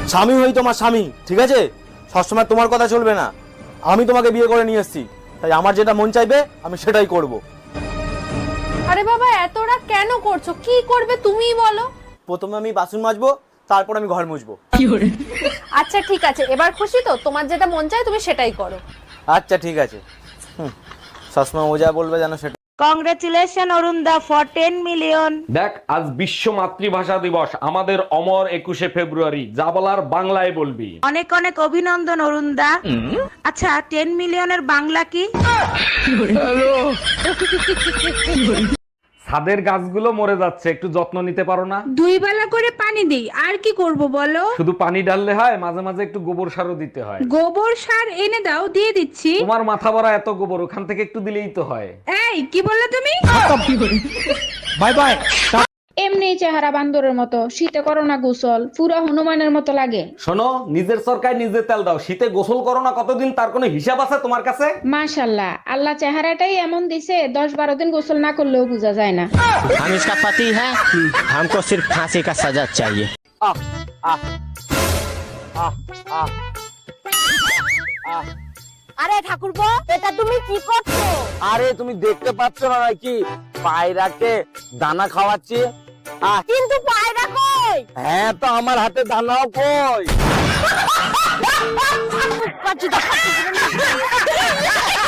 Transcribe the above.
স্বামী হই তোমার স্বামী, ঠিক আছে? সবসময় তোমার কথা চলবে না। আমি তোমাকে বিয়ে করে নিয়ে এসেছি, তাই আমার যেটা মন চাইবে আমি সেটাই করব। আরে বাবা এতটা কেন করছো? কি করবে তুমিই বলো। প্রথমে আমি বাসন মাজবো, তারপর আমি ঘর মুছবো। আচ্ছা ঠিক আছে, এবার খুশি তো? তোমার যেটা মন চায় তুমি সেটাই করো। আচ্ছা ঠিক আছে। সবসময় ও যা বলবে যেন সেটা। কংগ্রেচুলেশন অরুণদা ফর 10 মিলিয়ন। দেখ, আজ বিশ্ব মাতৃভাষা দিবস, আমাদের অমর 21শে ফেব্রুয়ারি। যা বলার বাংলায় বলবি। অনেক অনেক অভিনন্দন অরুণদা। আচ্ছা 10 মিলিয়নের বাংলা কি? ছাদের গাছগুলো মরে যাচ্ছে, একটু যত্ন নিতে পারো না? 2 বেলা করে পানি দেই, আর কি করব বলো? শুধু পানি ঢাললে হয়, মাঝে মাঝে একটু গোবর সারও দিতে হয়। গোবর সার এনে দাও, দিয়ে দিচ্ছি। তোমার মাথা ভরা এত গোবর, ওখান থেকে একটু দিলেই তো হয়। এই কি বললে তুমি? Bye bye. এমনি চেহারা বান্দরের মতো, শীতে করো না গোসল, পুরা হনুমানের মতো লাগে। শোনো, নিজের সরকার নিজে তেল দাও। শীতে গোসল করো না কতদিন, তার কোনো হিসাব আছে তোমার কাছে? মাশাল্লাহ, আল্লাহ চেহারাটাই এমন দিছে 10-12 দিন গোসল না করলেও বোঝা যায় না। हम इसका पति है, हमको सिर्फ फांसी का सजा चाहिए। আহ আহ আহ আহ আহ। আরে ঠাকুরপো, এটা তুমি কি করছো? আরে তুমি দেখতে পাচ্ছ না নাকি পায়রাকে দানা খাওয়াচ্ছি? কিন্তু পায়রা কই? হ্যাঁ, তো আমার হাতে দানাও কই। কাচ্চি